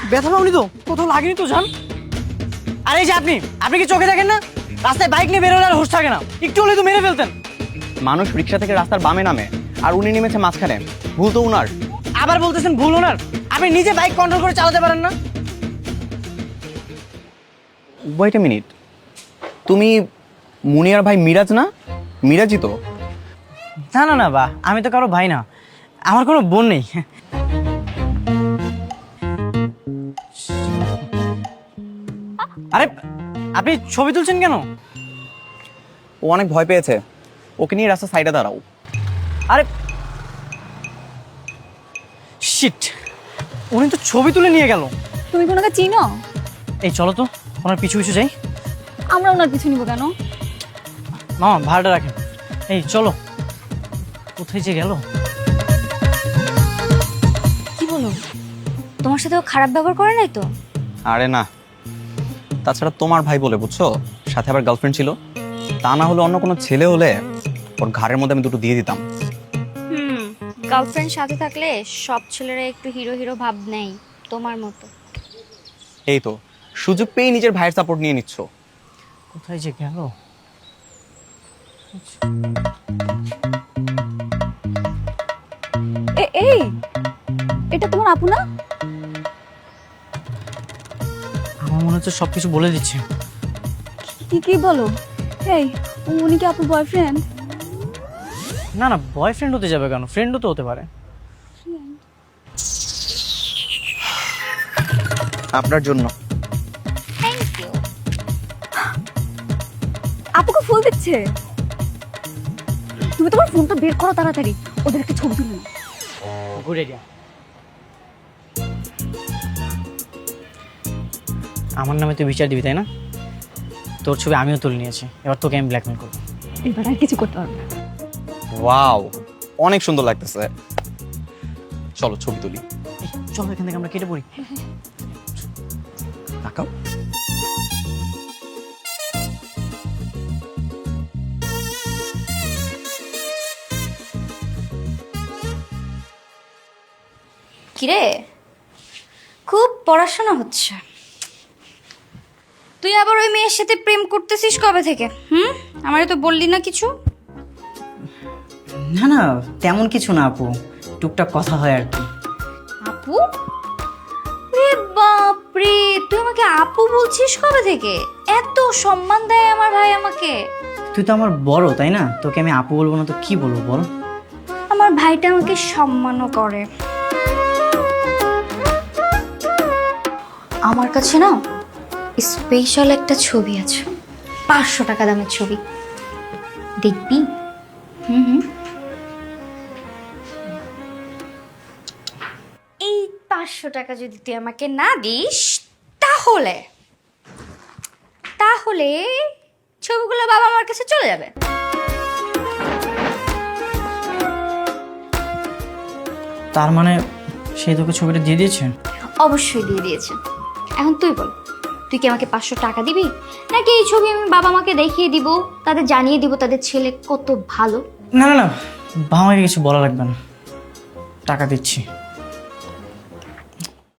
ব্যথা পাওনি তো? কোথাও লাগেনি তো জান? আরে এই যে আপনি কি চোখে দেখেন না? রাস্তায় বাইক নিয়ে বেরোলে আর হুঁশ থাকে না, একটু হলেই তো মেরে ফেলতেন। মানুষ রিক্সা থেকে রাস্তার বামে নামে আর উনি নেমেছে মাঝখানে, ভুল তো উনার। আবার বলতেছেন ভুল ওনার? আপনি নিজে বাইক কন্ট্রোল করে চালাতে পারেন না? ওয়েট এ মিনিট, তুমি মুনিয়ার ভাই মিরাজ না? মিরাজই তো। না না না বা, আমি তো কারো ভাই না, আমার কোনো বোন নেই। আরে আপনি ছবি তুলছেন কেন? ও অনেক ভয় পেয়েছে, ওকে নিয়ে রাস্তার সাইডে দাঁড়াও। আরে শিট, উনি তো ছবি তুলে নিয়ে গেল। তুমি কি ওনাকে চিনো? এই চলো তো ওনার পিছু পিছু যাই। আমরা ওনার পিছু নিব কেন? মামা ভাড়াটা রাখেন। এই চলো, কোথায় যে গেল? কি বলো, তোমার সাথে ও খারাপ ব্যবহার করে নাই তো? আরে না, তাছাড়া তোমার ভাই বলে বুঝছো, সাথে আবার গার্লফ্রেন্ড ছিল। তা না হলে অন্য কোনো ছেলে হলে ওর ঘাড়ের মধ্যে আমি দুটো দিয়ে দিতাম। গার্লফ্রেন্ড সাথে থাকলে সব ছেলেরা একটু হিরো হিরো ভাব নেই, তোমার মতো। এই তো সুযোগ পেয়ে নিজের ভাইয়ের সাপোর্ট নিয়ে নিচ্ছ। কোথায় যে গেল? এই, এটা তোমার আপু না? আমার মনে হচ্ছে সবকিছু বলে দিচ্ছে। কি বলো? এই, উনি কি আপুর বয়ফ্রেন্ড? না না, বয়ফ্রেন্ড হতে যাবে কেন, ফ্রেন্ডও তো হতে পারে। আপনার জন্য। Thank you. আপুকে ফুল দিচ্ছে। তুমি তোমার ফোনটা বের করো তাড়াতাড়ি, ওদের একটা ছবি তুলে নাও। Good idea. আমার নামে তুই বিচার দিবি তাই না? তোর ছবি আমিও তুলে নিয়েছি, এবার তোকে আমি ব্ল্যাকমেল করবো। এবার আর কিছু করতে পারবে না। ওয়াও, অনেক সুন্দর লাগতেছে। চলো ছবি তুলি। এই, চলো এখান থেকে আমরা কেটে পড়ি। তাকাও। কিরে, খুব পড়াশোনা হচ্ছে। তুই আবার ওই মেয়ের সাথে প্রেম করতেছিস কবে থেকে? আমারে তো বললি না কিছু। না না, তেমন কিছু না আপু, টুকটাক কথা হয় আর কি। আপু? রে বাপরে, তুই আমাকে আপু বলছিস কবে থেকে? এত সম্মান দেয় আমার ভাই আমাকে। তুই তো আমার বড় তাই না, তোকে আমি আপু বলবো না তো কি বলবো বল? আমার ভাইটা আমাকে সম্মানও করে। আমার কাছে না স্পেশাল একটা ছবি আছে, 500 টাকা দামের ছবি, দেখবি? এই 500 টাকা যদি তুই আমাকে না দিস, তাহলে তাহলে ছবিগুলো বাবা আমার কাছে চলে যাবে। তার মানে সেই তোকে ছবিটা দিয়ে দিয়েছে? অবশ্যই দিয়ে দিয়েছে। এখন তুই বল, তুই কি আমাকে 500 টাকা দিবি, নাকি এই ছবি আমি বাবা মাকে দেখিয়ে দিব, তাদের জানিয়ে দিব তাদের ছেলে কত ভালো? না না না, বাবা মাকে কিছু বলা লাগবে না, টাকা দিচ্ছি।